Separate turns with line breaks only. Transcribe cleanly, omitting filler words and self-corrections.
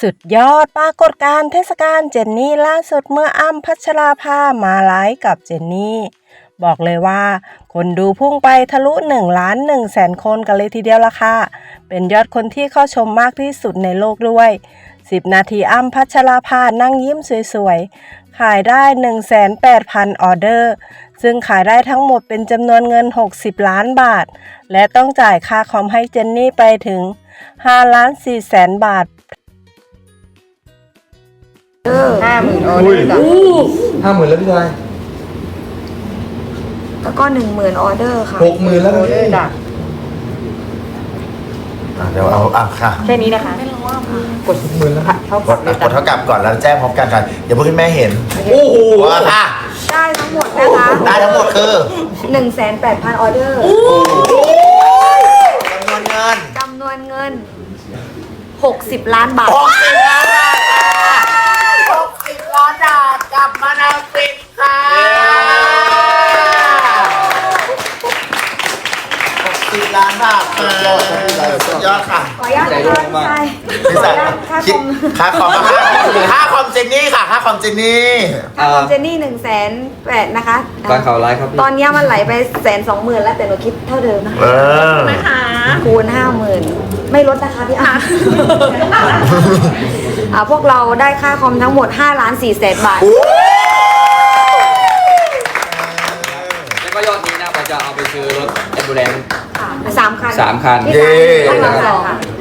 สุดยอดปรากฏการณ์เทศกาลเจนนี่ล่าสุดเมื่ออ้ำพัชราภามาไลฟ์กับเจนนี่บอกเลยว่าคนดูพุ่งไปทะลุ1,100,000 คนกันเลยทีเดียวละค่ะเป็นยอดคนที่เข้าชมมากที่สุดในโลกด้วย10 นาทีอ้ำพัชราภานั่งยิ้มสวยๆขายได้ 180,000 ออเดอร์ซึ่งขายได้ทั้งหมดเป็นจำนวนเงิน60 ล้านบาทและต้องจ่ายค่าคอมให้เจนนี่ไปถึง5,400,000 บาท
50,000 ออเดอร์จ้ะ
50,000แล้วพี่ชาย
แล้วก็10,000 ออเดอร์ค่ะ
60,000แล้วพี่
จ้ะ
เดี๋ยวเอาค่ะ
แค่นี้นะคะ
กด60,000แล้ว
กดเท่ากับก่อนแล้วแจ้งพร้อมกันค่ะเดี๋ยวเพื่อนแม่เห็นโอ้โหค่ะ
ได้ทั้งหมดนะคะ
ได้ทั้งหมดคือ
180,000 ออเดอร์
จำนวนเงิน
60 ล้านบาท
60 ล้านบาท60 ล้านบาทกลับมานาฟินค่ะ60 ล้านบาทสุดยอดค่ะ
ขออนุญาตนะคะ
พี่สายคิดค่าคอมเจนนี่ค่ะค่าคอมเจนนี่
ค่าคอมเจนนี่180,000นะคะ
การข่าวไลฟ์ครับ
ตอนนี้มันไหลไป120,000แล้วแต่หนูคิดเท่าเดิมนะ
นะคะ
คูณ50,000ไม่ลดนะคะพี่อาพวกเราได้ค่าคอมทั้งหมด5,400,000 บาท
แล้วก็ยอดนี้นะเราจะเอาไปซื้อรถแอมบูเลนซ์
3 คัน
3 คัน
เย้